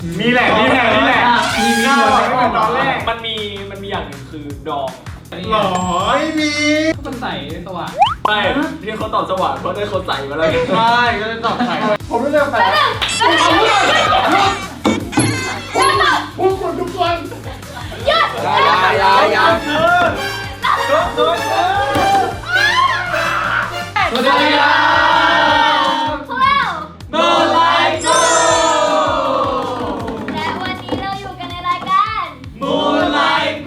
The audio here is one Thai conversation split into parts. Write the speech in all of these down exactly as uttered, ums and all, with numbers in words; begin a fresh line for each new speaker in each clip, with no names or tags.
นี่แหละนี่แหละนี่แหละมีมีหมดตั้งแต่ตอนแรก
มันมีมันมีอย่างหนึ่งคือดอง
หรอไม่มี
มันใส่สว่าง
ไม่ที่เขาตอบสว่างเพราะได้เขาใส่มาแล้ว
ใช่ก็เลยตอบใส่ผมไม่เลือกแฟนพูดคนทุกคนหยุดยายายาเกินรถรถสวัสดีครับ
พวกเรา
โนไลโก
และวันนี้เราอยู่กันในรายการ
มูไลกู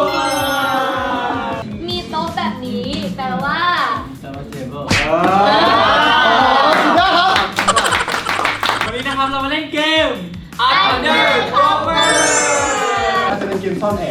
มีโต๊ะแบบนี้แปลว่า
แต่ว่าเทเบิล
วันนี้นะครับเรามาเล่นเกม Undercover
จะเป็นเกมซ่อนแอบ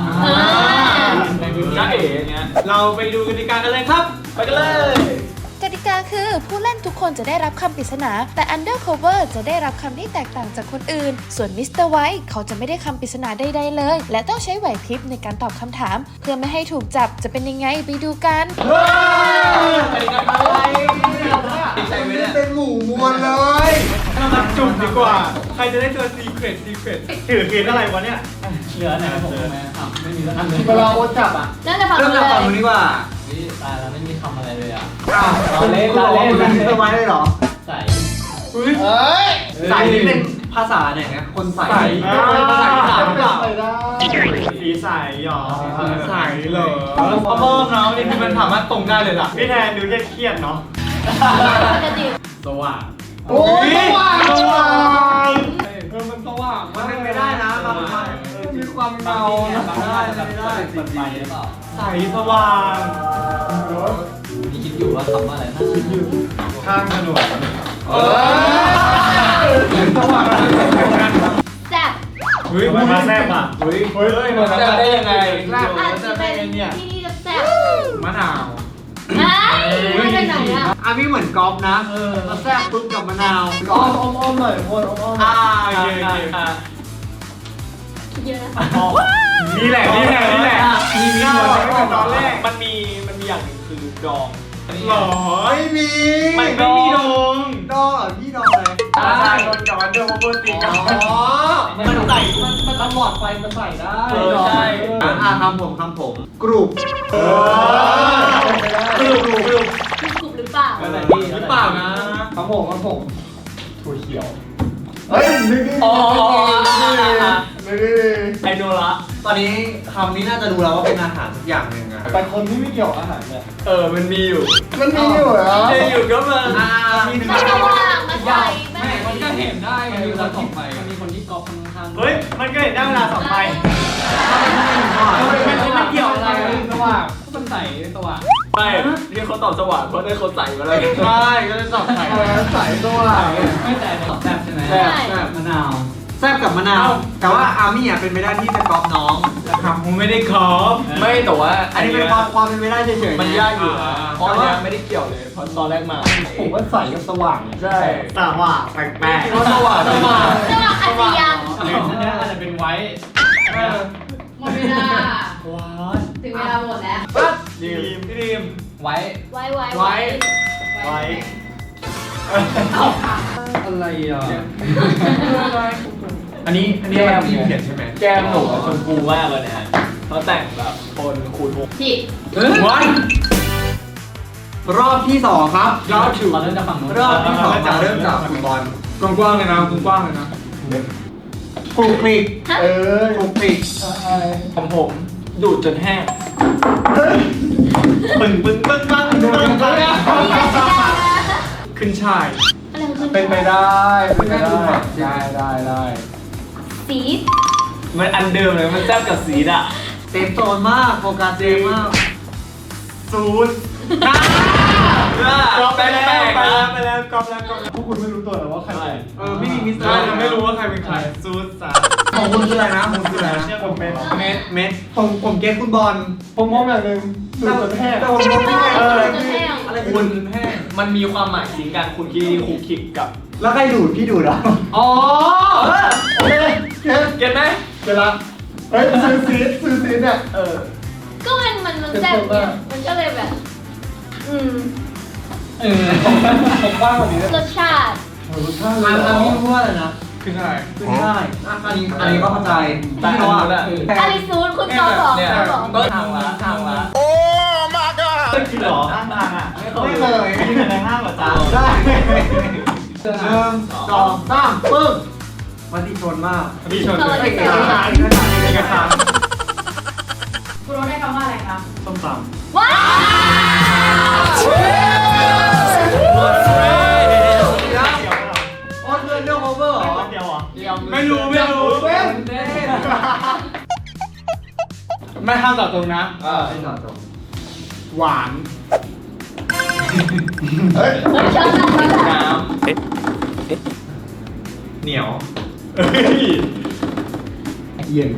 จ้าเอ๋อย่างเงี้ยเราไปดูกติกากันเลยครับไปกันเลย
กติกาคือผู้เล่นทุกคนจะได้รับคำปริศนา แต่ Undercover จะได้รับคำที่แตกต่างจากคนอื่น ส่วนมิสเตอร์ไวท์เขาจะไม่ได้คำปริศนาใดๆเลย และต้องใช้ไหวพริบในการตอบคำถาม เพื่อไม่ให้ถูกจับจะเป็นยังไงไปดูกัน
กติกาอะไรใส่ไว้เนี่ย
เป็นหมู่มวลเลยมาจุ่มดีกว่าใครจะได้เจอซีเครตซีเครตถือเกมอะไรวะเนี่ย
เหลือไหนผมไหมอ่ะไม่มีแล้วอันเลย
เวลาโอจับอ่ะ
เริ่มจากฝั่ง
เริ่มจากฝั่งนู้นดีกว่า
นี่ตายแล้วไม่มีคำอะไรเลยอ่ะ
อ้าวเราเล่นเราเล่นเป็นมิสเตอร์ไวท์เลยเหรอ
ใส่
เฮ้ยใส่นี่เป็นภาษาไหนนะคนใส่เป็นภาษาอีสานหรือเปล่าสีใสหรอใสเหรอพอเพิ่มเนาะนี่คือมันสามารถตรงได้เลยล่ะพี่แทนดูเครียดเนาะ
ปกติ
สว่าง
โอ้ยสว่างสว่างเออมันสว่างมันเป็นไปได้นะบางทีมีความเงาได้ไม่ได้
เปิดไฟหรือเปล่า
ใสสว่าง
นี่คิดอยู่ว่าคำว่าอะไรนะคิดอยู่
ข้างถนนเออสว่าง
แซ่บ
เฮ้ยมันมาแซ่บอ่ะเฮ้ยเฮ้ยมัน
จะได้ยังไง
แซ่บ
อาจ
จะ
จะ
เป็
เป็น
นเนี่ย
ที่นี่จะแซ่บ
มะนาว
ไม่ไม่ไปไหนอ่ะ
อ่ะพี่เหมือนกอล์ฟนะเออแซ่บปุ๊บกับมะนาวอ้อมอ้อมอ้อมหน่อยอ้อมอ้อมอ่าโอเคโอเค
เยอะนะ
นี่แหละนี่แหละนี่แหละมีมีหมดตั้งแต่ตอนแรก
มันมีมันมีอย่างหนึ่งคือดอง
หรอไม่มี
ไม่ไม่มีดอง
ดองเหรอพี่ดองเลยใช่คนกับวันเดอร์โมเบอร์ติกันอ๋อมันใส่มันมันตลอดไฟมันใส่ได้
เออใช่
อ่าคำผมคำผมกรุบเออกรุบกรุบกรุบ
คือกรุบหรือเปล่า
อะไรดี
หรือเปล่านะ
คำผมคำผมถั่วเขียวเฮ้ยนึกดิ
อ๋อ
นึกดิ
ไอโนละ
ตอนนี้คำนี้น่าจะรู้แล้วว่าเป็นอาหารสักอย่างหนึ่งอะ
แต่คนที่ไม่เกี่ยวอาหารเนี่ย
เออมันมีอยู่
มันมีอยู่เหรอ
เอ้ยอยู่ก็มา
อ่ามีหนึ่ง
ไม่ต้องว่างมาใส่ไม่
มันก็เห็นได้ไงเวลาส่องไปมันมีคนที่กอล์ฟข้างๆ
เฮ้ยมันก็เห็นได้เวลาสองไฟ
มันไม่เกี่ยวอะไรสว่างมันใส่สว่าง
ไม่ที่เขาตอบสว่างเพราะได้เขาใส่มาแล้ว
ใช่ก็เลยตอบใส่ใส่ตัว
ไม่ใส่แซ่บใช่ไหม
แซ่บแซ่บ
มะนาว
แซ่บกับมะนาว แต่ว่าอามี่อะเป็นไปได้ที่จะกรอบน้อง
ครับผมไม่ได้ขอ
ไม่แต่ว่า
อันนี้เป็นความความเป็นไปได้เฉยๆ
มันยากอยู่เพราะอันเนี้ยไม่ได้เกี่ยวเลยเพราะตอนแรกมา
ผมว่าใส่กับสว่าง
ใช่
สว่างแปลก
เพราะสว่างสว่าง
สว่างอาจจะยัง
อันนี้อาจจะเป็นไว้
หมดเวลา
ว้า
ถึงเวลาหมดแล้ว
ดีมพี่ดีม
ไว้
ไว้ไว้
ไว้ไว้
อะไรอ่ะ
อันนี้อันนี้มันมีเขียนใช่ไหม
แก้มหนูชมพูมากเลยนะฮะเขาแต่งแบบคนคูณหก
ผิด
วัน
รอบที่สองครับ
ยอดถูก
เราเริ่มจากฝั่งนู้น
รอบที่สองจะเริ่มจากคุณบอล
กว้างๆเลยนะกว้างๆเลยนะ
ปลูกพริก
เออ
ปลูกพริก
ของผมดูดจนแห้ง
ปึ้งปึ้งปึ้งปังปึ้งปังปังขึ้นช่าย
อะไรของคุณ
เป็นไปได้เป็นไปได้ได้ได้ได้
สีด
มันอันเดิมเลยมันแซ่บกับสีดอ่ะ
เต็มโซนมากโฟกัสเต็มมาก
ศูนย์
กรอบไปแล้ว
ไปแล้วไปแล้วกรอบแล้วกรอบแล้วพวกคุณไม่รู้ตัวหรอว่าใครเป็น
เออไม่มีมิสเตอ
ใช่
ร์
ยังไม่รู้ว่าใครเป็นใครศูนย์สาม
ของคุณคืออะไรนะของคุณคืออะไรนะ
เชื่อผมเป็น
เม็ดเม็ดผมผมเก็ตคุณบอล
ผมมองอย่างหนึ่งดูดจนแห้ง
แต่ผมมองไม่
เอ
ได้
อจะแห้ง
อะไร
คุณแห้งมันมีความหมายสิงกันคุณคีคุกคิกกับ
แล้วใครดูดพี่ดูดเหรอ
อ๋อ
โอเคเก็ต
เก็ตไหม
เก็ตละเฮ้ยซื้อซีดซื้อซีดเนี่ย
เออ
ก็มันมันมันแซ่บเนี่ยมันก็เลยแบบ อืม
เออ
ผมว่างกว่านี้
รสชาติ
รสชาติเล
อาย
เหร
อา
อ
มี่รู้ว่าอะไรนะ
คืขึ้นได้
ขึ้นได้อ่ะอันนี้อันนี้ก็เข้าใจ
แต่
ที่
อัน
ว่า
นู้นอะ
อาริซูนคุณกอล์ฟบอก
เนี่ย
บอก
ต้นทางละทางละ
จริงเหรอข้างทางอ่ะ
ไม่เคย
กินในห้างเหรอจ๊ะ
ได้หนึ่งสองสามปึ้งมันติชนมาก
พี่ชน
สวัสดี
เอก
ค่ะ
สารเอกสารเอกสาร
คุณรู้ได้คำว่าอะไรคะ
ส้มตำ
ว้าว
โอ้เพื่อนเรื่องโอเวอร์เหรอ
เดียวเหรอ
เดียว
ไม่รู้ไม่รู้
เป็น
ไม่ห้ามต่อตรงนะ
เออ
ไม่ต่อจบ
หวาน
เฮ้ย
เฮ้ยช้อนหนักช้อนหนัก
น้
เหนียวเฮ้ย
เย็น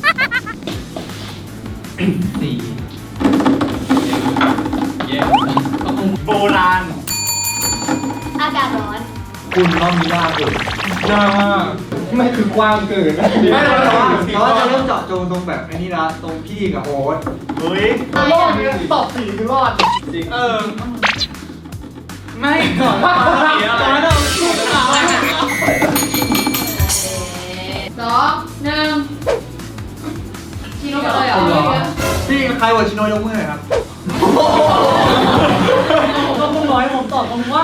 ำสีเย็น
โบราณ
อากาศร้อน
คุณต้องมีหน้าเกิด
ยากมาก
ไม่คือกว้างเกิน
ไม่
ไม่
แต่
แต่
ว่า
ว่าแต่ว่าจะเริ่มเจาะจงตรงแบบไอ้นี่ละตรงพี่กับโอ๊ต
เฮ้ย
รอดเนี่ยตอบสี่คือรอด
จริง
เออ ไม่ก่อนตอนนั้นเราพูดข่าว
สองหนึ่งชิโน่เลยเหรอ
พี่ใครวอชิโนยกมือหน่อยครับ
ก็คุณร้อยผมตอบคำว่า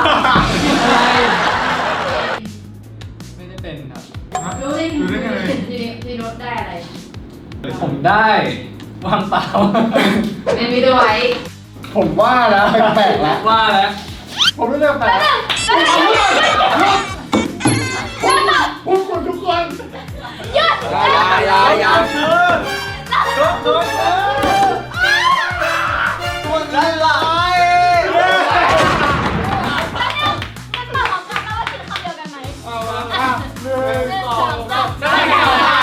ไม่ได้เป็นครับ
รู้ได้
รู้ได้ไง
ชิชิโน่ได้อะไร
ผมได้วางเปล่า
ไม่มีด้วยไว้
ผมว่าแล้วแปลกๆแล้ว
ว่าแล้ว
ผมรู้เรื่องแปลกพวกคุณทุกคน
หยุด
ยายายา
เออโดนโดนเออ
คนละลาย
มันตอบของกันแล้วว่าคิดคำเดียวกันไหม
เอาละอ่ะ
หนึ่ง
หนึ่งสองสาม
ได้แถวไหน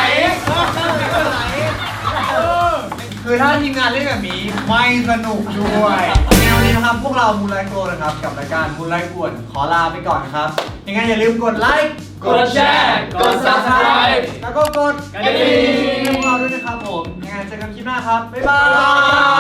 คือถ้าทีมงานเล่นแบบนี้ไม่สนุกด้วยในวันนี้นะครับพวกเรามูลไลโกนะครับกับรายการมูลไลกวนขอลาไปก่อนครับยังไงอย่าลืมกดไลค์
กดแชร์กด Subscribe
แล้วก็กด
กระดิ่ง
ให้พวกเราด้วยนะครับผมยังไงเจอกันคลิปหน้าครับบ๊ายบาย